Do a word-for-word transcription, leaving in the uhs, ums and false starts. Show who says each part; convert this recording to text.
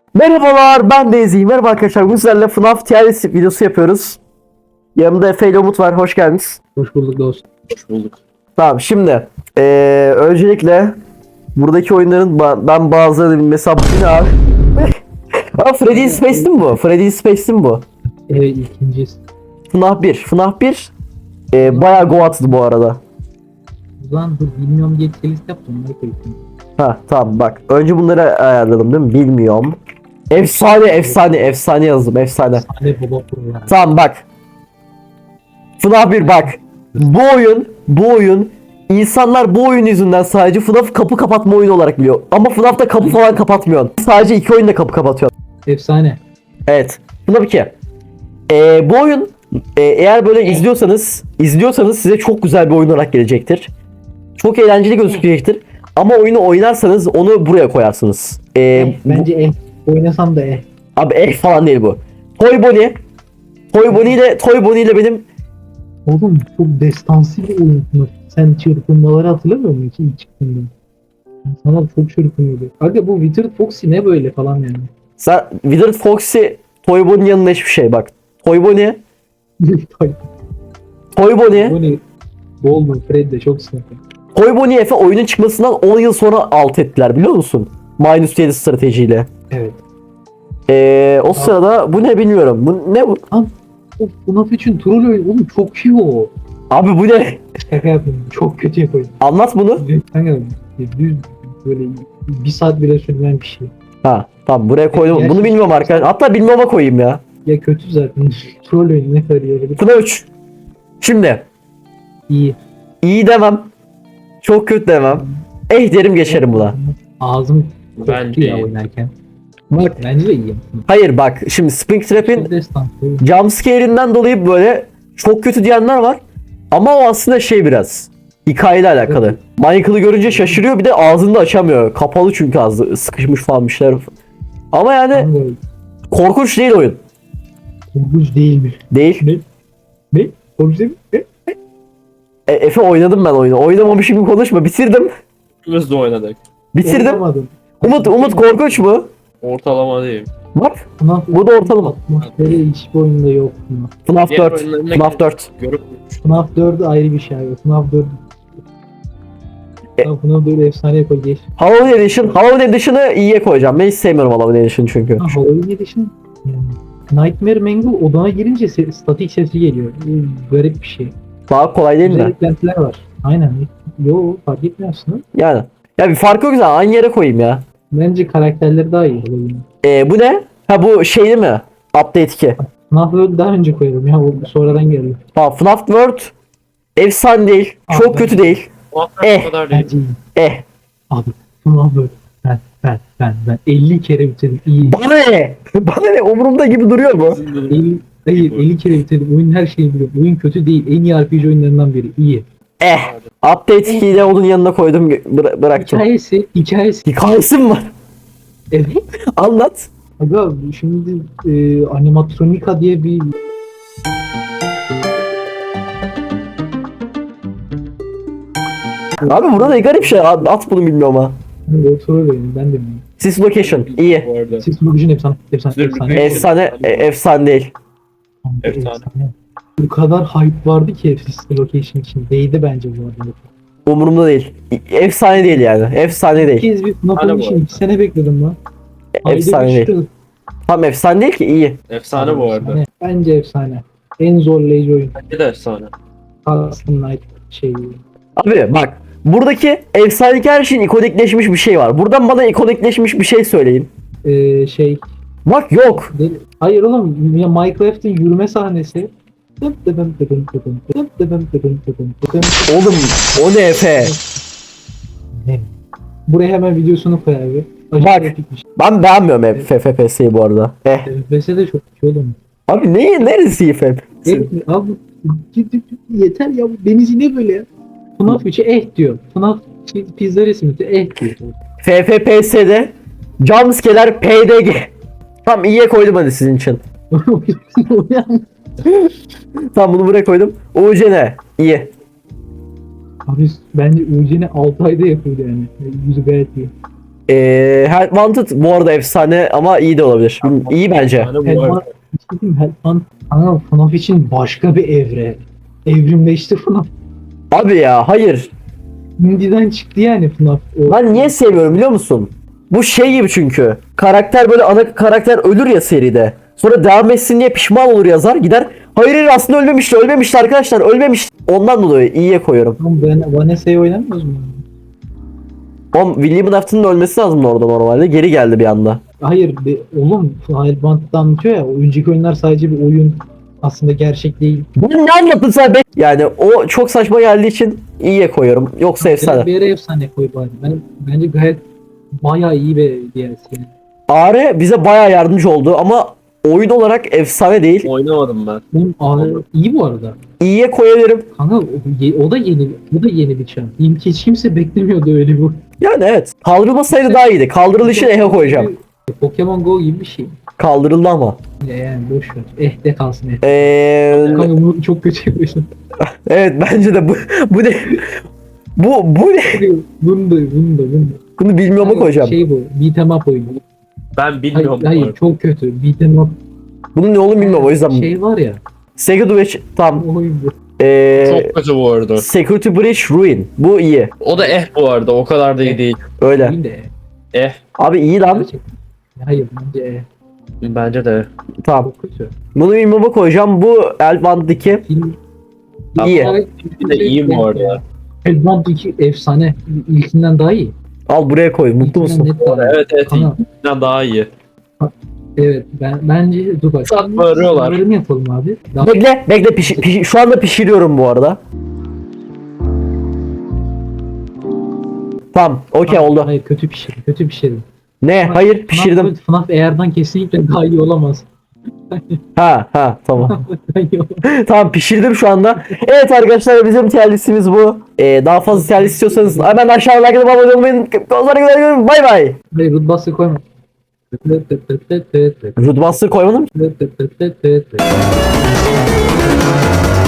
Speaker 1: Merhabalar, ben Dezi. Merhaba arkadaşlar. Bu sizlerle F NAF tier list videosu yapıyoruz. Yanımda Efe ile Umut var. Hoş geldiniz.
Speaker 2: Hoş bulduk dostum.
Speaker 3: Hoş bulduk.
Speaker 1: Tamam, şimdi ee, öncelikle buradaki oyunların ba- ben bazılarını bilmesi ne abi? Aa, Freddy Space'ti mi bu? Freddy Space'ti mi bu?
Speaker 2: Evet, ikincisi.
Speaker 1: F NAF bir. F NAF bir ee, bayağı go attı bu arada.
Speaker 2: Ulan dur bilmiyorum diye list yaptım. Ne koydum?
Speaker 1: Ha tamam, bak. Önce bunları ayarladım değil mi? Bilmiyorum. Efsane, efsane, efsane yazdım. Efsane.
Speaker 2: Sade baba program.
Speaker 1: Tamam bak. F NAF bir bak. Bu oyun, bu oyun insanlar bu oyun yüzünden sadece F NAF kapı kapatma oyunu olarak biliyor. Ama F NAF'ta kapı falan kapatmıyorsun. Sadece iki oyunda kapı kapatıyorsun.
Speaker 2: Efsane.
Speaker 1: Evet. F NAF iki. Ee, bu oyun e, eğer böyle izliyorsanız, izliyorsanız size çok güzel bir oyun olarak gelecektir. Çok eğlenceli gözükecektir. Ama oyunu oynarsanız onu buraya koyarsınız. Ee,
Speaker 2: Eh, bence eh. Oynasam da eh.
Speaker 1: bu, abi eh falan değil bu. Toy Bonnie. Toy Bonnie ile Toy Bonnie ile benim
Speaker 2: Oğlum çok destansı bir oyun. Sen çırpınmaları hatırlamıyor musun ilk çıktığında? Sana çok çırpınıyordu. Aga bu Withered Foxy ne böyle falan yani.
Speaker 1: sen Withered Foxy Toy Bonnie'nin yanında hiçbir şey bak. Toy Bonnie, Toy Bonnie,
Speaker 2: Bu ne? Goldman, Fred de çok sınıfı.
Speaker 1: Toy Bonnie Efe oyunun çıkmasından on yıl sonra alt ettiler biliyor musun? Minus yedi stratejiyle.
Speaker 2: Evet.
Speaker 1: Ee, o sırada bu ne bilmiyorum. Bu ne bu?
Speaker 2: Of bu F NAF için troll oyun. Oğlum çok iyi o.
Speaker 1: Abi bu ne?
Speaker 2: Şaka yapıyorum. Çok kötü yapıyorum.
Speaker 1: Anlat bunu.
Speaker 2: Kanka düz böyle bir saat bile sürmeyen bir şey.
Speaker 1: Ha tamam, buraya koydum.
Speaker 2: Gerçekten-
Speaker 1: Bunu bilmiyorum arkadaşlar. Hatta bilmeme koyayım ya.
Speaker 2: Ya kötü zaten. Troll oyunu ne kadar iyi olabilir.
Speaker 1: F NAF üç. Şimdi
Speaker 2: İyi.
Speaker 1: iyi demem. Çok kötü demem. Eh derim geçerim buna.
Speaker 2: Ağzım
Speaker 3: Bence
Speaker 2: koktu ya
Speaker 3: iyi.
Speaker 2: oynarken. Bak bence de iyi.
Speaker 1: Hayır bak, şimdi Springtrap'in
Speaker 2: Çok destan.
Speaker 1: jumpscare'inden dolayı böyle çok kötü diyenler var. Ama o aslında şey biraz hikayeyle alakalı. Michael'ı görünce şaşırıyor, bir de ağzını da açamıyor. Kapalı çünkü ağzı sıkışmış falan bir şeyler. Ama yani korkunç değil oyun.
Speaker 2: Korkunç değil mi?
Speaker 1: Değil.
Speaker 2: Ne? Korkunç değil mi? Ne?
Speaker 1: E, Efe oynadım ben oyunu. Oynamamışım gibi konuşma. Bitirdim.
Speaker 3: İkimiz de oynadık.
Speaker 1: Bitirdim.
Speaker 2: Oynamadım.
Speaker 1: Umut Umut korkunç mu?
Speaker 3: Ortalama değil.
Speaker 1: Bak.
Speaker 2: FNAF
Speaker 1: Bu da ortalama.
Speaker 2: atmosferi hiçbir oyunda yok. FNAF.
Speaker 1: F NAF
Speaker 3: Diğer
Speaker 1: dört.
Speaker 3: oyunlarına
Speaker 1: F NAF dört.
Speaker 3: Görüp
Speaker 2: FNAF dört ayrı bir şey abi. FNAF dört.
Speaker 1: E-
Speaker 2: Ya FNAF dört efsane yapar geç.
Speaker 1: Halloween Edition. Halloween Edition'ı iyiye koyacağım. Ben hiç sevmiyorum Halloween Edition çünkü.
Speaker 2: Ha, Halloween Edition. Yani Nightmare Mangle odana girince se- statik sesi geliyor. Bu garip bir şey.
Speaker 1: Daha kolay değil
Speaker 2: Güzel
Speaker 1: mi?
Speaker 2: eklentiler var. Aynen. Yo fark etmiyor aslında.
Speaker 1: Yani. Ya bir farkı yok zaten. Aynı yere koyayım ya.
Speaker 2: Bence karakterleri daha iyi Halloween.
Speaker 1: E, bu ne? Ha bu şeyli mi? Update iki.
Speaker 2: FNAF World daha önce koyalım ya. O sonradan geldi.
Speaker 1: Tamam, F NAF World efsane değil. Çok
Speaker 2: Abi,
Speaker 1: kötü değil.
Speaker 3: o
Speaker 1: Eh.
Speaker 3: kadar değil.
Speaker 2: Bence iyi.
Speaker 1: Eh.
Speaker 2: Abi FNAF World. Ben ben ben ben elli kere bitirdim. İyi.
Speaker 1: Bana ne? Bana ne? Umurumda gibi duruyor mu?
Speaker 2: elli, hayır elli kere bitirdim. Oyun her şeyi biliyor. Oyun kötü değil. En iyi R P G oyunlarından biri. İyi.
Speaker 1: Eh. Update ikiyi de onun yanına koydum. Bıra- bıraktım.
Speaker 2: Hikayesi, hikayesi.
Speaker 1: Hikayesi mi var?
Speaker 2: Evet.
Speaker 1: Anlat.
Speaker 2: Aga şimdi e, Animatronika diye bir
Speaker 1: Abi burada ne garip şey. At at bunu bilmiyorum ha.
Speaker 2: troll oyunu ben de bilmiyorum.
Speaker 1: Sys Location. iyi.
Speaker 3: Bu arada.
Speaker 2: Six Location efsane. Efsane.
Speaker 3: Six
Speaker 2: Efsane.
Speaker 3: Location.
Speaker 1: Efsane. e, efsane değil.
Speaker 3: Efsane.
Speaker 2: Bu kadar hype vardı ki Six Location için. Değdi bence bu arada.
Speaker 1: Umurumda değil. Efsane değil yani. Efsane
Speaker 2: Bir
Speaker 1: değil.
Speaker 2: kez bir FNAF
Speaker 3: Hani
Speaker 2: oyunu
Speaker 3: bu
Speaker 2: için iki sene bekledim lan. Ayda
Speaker 1: Efsane
Speaker 2: bir
Speaker 1: değil.
Speaker 2: çıktı.
Speaker 1: Tam efsane değil ki, iyi.
Speaker 3: Efsane bu arada.
Speaker 2: Efsane. Bence efsane. En zorlayıcı oyun.
Speaker 3: Bence de efsane.
Speaker 2: Custom Night şey.
Speaker 1: Abi bak. Buradaki efsanedeki her şeyin ikonikleşmiş bir şey var. Buradan bana ikonikleşmiş bir şey söyleyin.
Speaker 2: Ee, şey.
Speaker 1: Bak yok.
Speaker 2: Deli- Hayır oğlum ya Minecraft'ın yürüme sahnesi.
Speaker 1: Oğlum o ne Efe?
Speaker 2: Buraya hemen videosunu koy abi.
Speaker 1: Bak.
Speaker 2: Acayip epikmiş.
Speaker 1: Ben beğenmiyorum hep F F P S'yi bu arada. Eh.
Speaker 2: F P S de çok iyi oğlum.
Speaker 1: Abi ne, neresi F F P S?
Speaker 2: Eh, abi yeter ya bu deniz ne böyle ya? FNAF üçe eh diyor. FNAF şey, pizza resmi de eh diyor.
Speaker 1: F F P S'de jumpscare'ler P D G. Tamam, iyiye koydum hadi sizin için. Tamam, bunu buraya koydum. U C ne? İyi.
Speaker 2: Abi bence Uğurcan'ı altı ayda yapıldı yani. Yüzü gayet iyi.
Speaker 1: Ee, Help Wanted bu arada efsane ama iyi de olabilir. İyi bence.
Speaker 3: Yani bu
Speaker 2: Hellman,
Speaker 3: arada.
Speaker 2: bir şey diyeyim mi? Hellman, kanka F NAF için başka bir evre. Evrimleşti F NAF.
Speaker 1: Abi ya hayır.
Speaker 2: Indie'den çıktı yani F NAF. O-
Speaker 1: Ben niye sevmiyorum biliyor musun? Bu şey gibi çünkü. Karakter böyle ana karakter ölür ya seride. Sonra devam etsin diye pişman olur yazar gider. Hayır hayır aslında ölmemişti ölmemişti arkadaşlar ölmemişti. Ondan dolayı iyiye koyuyorum.
Speaker 2: Oğlum ben Vanessa'yı oynamıyoruz mu?
Speaker 1: Oğlum William Dafoe'nun ölmesi lazım orada normalde. Geri geldi bir anda.
Speaker 2: Hayır be, oğlum Hellbant'ta anlatıyor ya, önceki oyunlar sadece bir oyun, aslında gerçek değil.
Speaker 1: Ben ne anlattın sen be? Yani o çok saçma geldiği için iyiye koyuyorum. Yoksa efsane.
Speaker 2: Bir yere efsane koy bari. Ben, bence gayet bayağı iyi bir D L C.
Speaker 1: Are bize bayağı yardımcı oldu ama oyun olarak efsane değil.
Speaker 3: Oynamadım ben.
Speaker 2: Bunun ağır, iyi bu arada.
Speaker 1: İyiye koyabilirim.
Speaker 2: Kanka o, o da yeni, o da yeni bir çağ. Hiç kimse beklemiyordu öyle bir.
Speaker 1: Yani evet. Kaldırılmasaydı daha iyiydi. Kaldırılışını ehe koyacağım.
Speaker 2: Pokemon Go gibi bir şey.
Speaker 1: Kaldırıldı ama.
Speaker 2: Yani boş ver. Eh de kalsın eh.
Speaker 1: Eee
Speaker 2: Kanka bunu çok kötü yapıyorsun.
Speaker 1: evet bence de bu bu ne? Bu bu ne?
Speaker 2: Bunu da bunu da bunu da.
Speaker 1: Bunu bilmiyorum koyacağım.
Speaker 2: Şey bu. Beat'em up oyunu.
Speaker 3: Ben
Speaker 2: Hayır,
Speaker 3: bilmiyorum. bu
Speaker 2: hayır
Speaker 3: arada.
Speaker 2: çok kötü. Beat'em up.
Speaker 1: Bunun ne olduğunu bilmiyorum o yüzden.
Speaker 2: Şey var ya.
Speaker 1: Security Breach tam.
Speaker 2: O oyun bu.
Speaker 1: Eee
Speaker 3: Çok kötü bu arada.
Speaker 1: Security Breach Ruin. Bu iyi.
Speaker 3: O da eh bu arada. O kadar da iyi değil.
Speaker 1: Öyle.
Speaker 2: Oyun de eh.
Speaker 3: Eh.
Speaker 1: Abi iyi lan.
Speaker 2: Gerçekten. Hayır bence eh.
Speaker 3: Bence de.
Speaker 1: Tamam.
Speaker 2: Çok kötü.
Speaker 1: Bunu bilmeme koyacağım. Bu Elband iki.
Speaker 2: Film...
Speaker 1: İyi.
Speaker 3: Bir de iyi bu arada.
Speaker 2: Hellbound iki efsane. İlkinden daha iyi.
Speaker 1: Al buraya koy. Mutlu
Speaker 2: İlkinden
Speaker 1: musun?
Speaker 2: net daha iyi.
Speaker 3: Evet evet.
Speaker 2: Kanka,
Speaker 3: İlkinden daha iyi.
Speaker 2: evet ben bence dur bak.
Speaker 3: Saat bağırıyorlar.
Speaker 2: Sınırlarını yapalım abi. Daha
Speaker 1: Bekle, bekle. Pişi, pişi- şu anda pişiriyorum bu arada. Tamam, okey oldu.
Speaker 2: Hayır kötü pişirdim. Kötü pişirdim.
Speaker 1: Ne? Hayır, pişirdim.
Speaker 2: F NAF Eğer'den kesinlikle daha iyi olamaz.
Speaker 1: Ha, ha, tamam.
Speaker 2: Daha iyi olamaz.
Speaker 1: Tamam, pişirdim şu anda. Evet arkadaşlar, bizim tier listemiz bu. Ee, daha fazla tier list istiyorsanız hemen aşağıya like atıp abone olmayı unutmayın. Kozlara kadar bay bay.
Speaker 2: Hayır Rootbuster koyma.
Speaker 1: Rootbuster koymadım.